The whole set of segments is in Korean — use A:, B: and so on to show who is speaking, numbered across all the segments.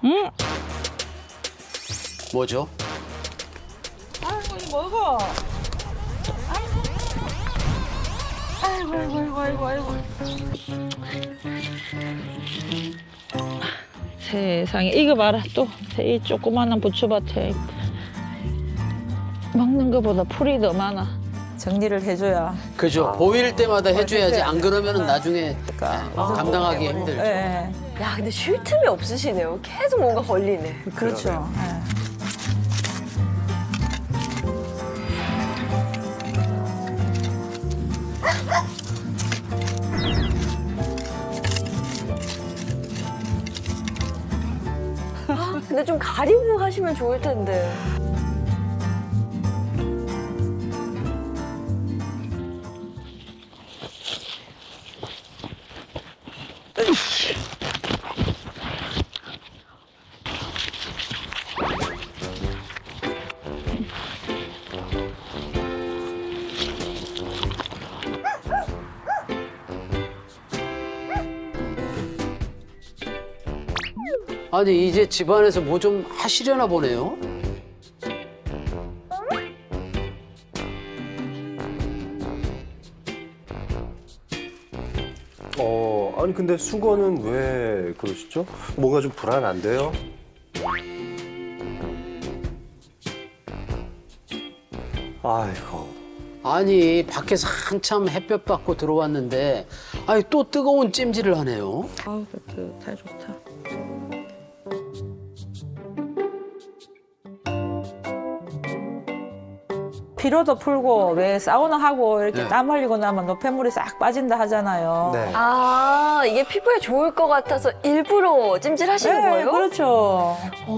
A: 뭐죠?
B: 아이고, 이거 먹어. 아이고, 아이고, 아이고, 아이고. 세상에, 이거 봐라, 또. 이 조그마한 부추밭에. 먹는 것보다 풀이 더 많아. 정리를 해줘야.
A: 그죠. 보일 때마다 해줘야지. 안 그러면 나중에
B: 그러니까.
A: 감당하기 힘들죠.
B: 예,
C: 야, 근데 쉴 틈이 없으시네요. 계속 뭔가 걸리네.
B: 그렇죠. 예.
C: 근데 좀 가리고 하시면 좋을 텐데.
A: 아니 이제 집안에서 뭐 좀 하시려나 보네요.
D: 아니 근데 수건은 왜 그러시죠? 뭔가 좀 불안한데요? 아이고.
A: 아니 밖에서 한참 햇볕 받고 들어왔는데 아니 또 뜨거운 찜질을 하네요.
B: 아우, 좋다, 좋다. 피로도 풀고 왜 사우나 하고 이렇게
A: 네.
B: 땀 흘리고 나면 노폐물이 싹 빠진다 하잖아요.
D: 네.
C: 아, 이게 피부에 좋을 것 같아서 일부러 찜질하시는
B: 네,
C: 거예요?
B: 그렇죠.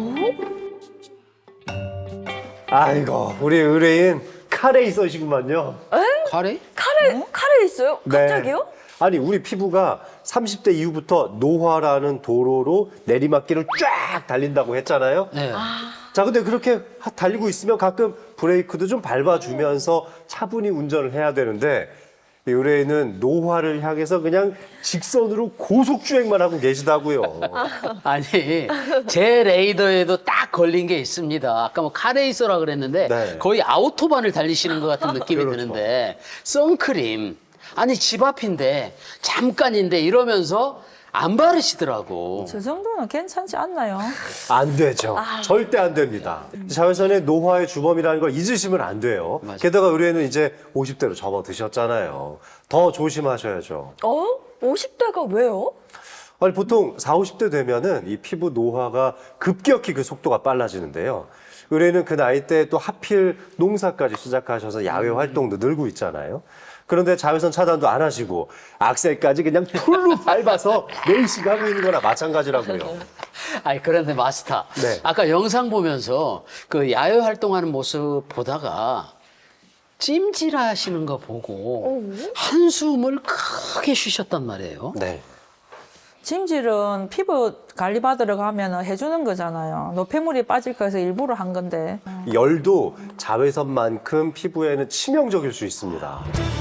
D: 아이고, 우리 의뢰인 카레이서시구만요.
A: 카레?
C: 카레 있어요?
D: 네.
C: 갑자기요?
D: 아니, 우리 피부가 30대 이후부터 노화라는 도로로 내리막길을 쫙 달린다고 했잖아요.
A: 네.
D: 자, 근데 그렇게 달리고 있으면 가끔 브레이크도 좀 밟아주면서 차분히 운전을 해야 되는데, 이 의뢰인은 노화를 향해서 그냥 직선으로 고속주행만 하고 계시다고요.
A: 아니 제 레이더에도 딱 걸린 게 있습니다. 아까 뭐 카레이서라 그랬는데
D: 네.
A: 거의 아우토반을 달리시는 것 같은 느낌이
D: 그렇죠.
A: 드는데 선크림 아니 집 앞인데 잠깐인데 이러면서 안 바르시더라고.
B: 저 정도는 괜찮지 않나요?
D: 안 되죠. 절대 안 됩니다. 자외선의 노화의 주범이라는 걸 잊으시면 안 돼요.
A: 맞아요.
D: 게다가 의뢰는 이제 50대로 접어드셨잖아요. 더 조심하셔야죠.
C: 50대가 왜요?
D: 아니, 보통 40, 50대 되면은 이 피부 노화가 급격히 그 속도가 빨라지는데요. 의뢰는 그 나이 때 또 하필 농사까지 시작하셔서 야외 활동도 늘고 있잖아요. 그런데 자외선 차단도 안 하시고 악셀까지 그냥 풀로 밟아서 레이싱 하고 있는 거나 마찬가지라고요.
A: 아니 그런데 마스터
D: 네.
A: 아까 영상 보면서 그 야외 활동하는 모습 보다가 찜질하시는 거 보고 한숨을 크게 쉬셨단 말이에요.
D: 네.
B: 찜질은 피부 관리 받으러 가면 해주는 거잖아요. 노폐물이 빠질까 해서 일부러 한 건데.
D: 열도 자외선만큼 피부에는 치명적일 수 있습니다.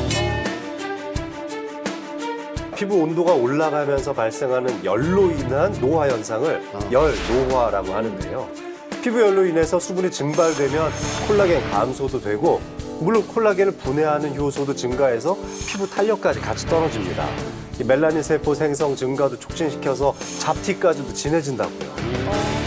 D: 피부 온도가 올라가면서 발생하는 열로 인한 노화 현상을 열노화라고 하는데요. 피부 열로 인해서 수분이 증발되면 콜라겐 감소도 되고 물론 콜라겐을 분해하는 효소도 증가해서 피부 탄력까지 같이 떨어집니다. 이 멜라닌 세포 생성 증가도 촉진시켜서 잡티까지도 진해진다고요.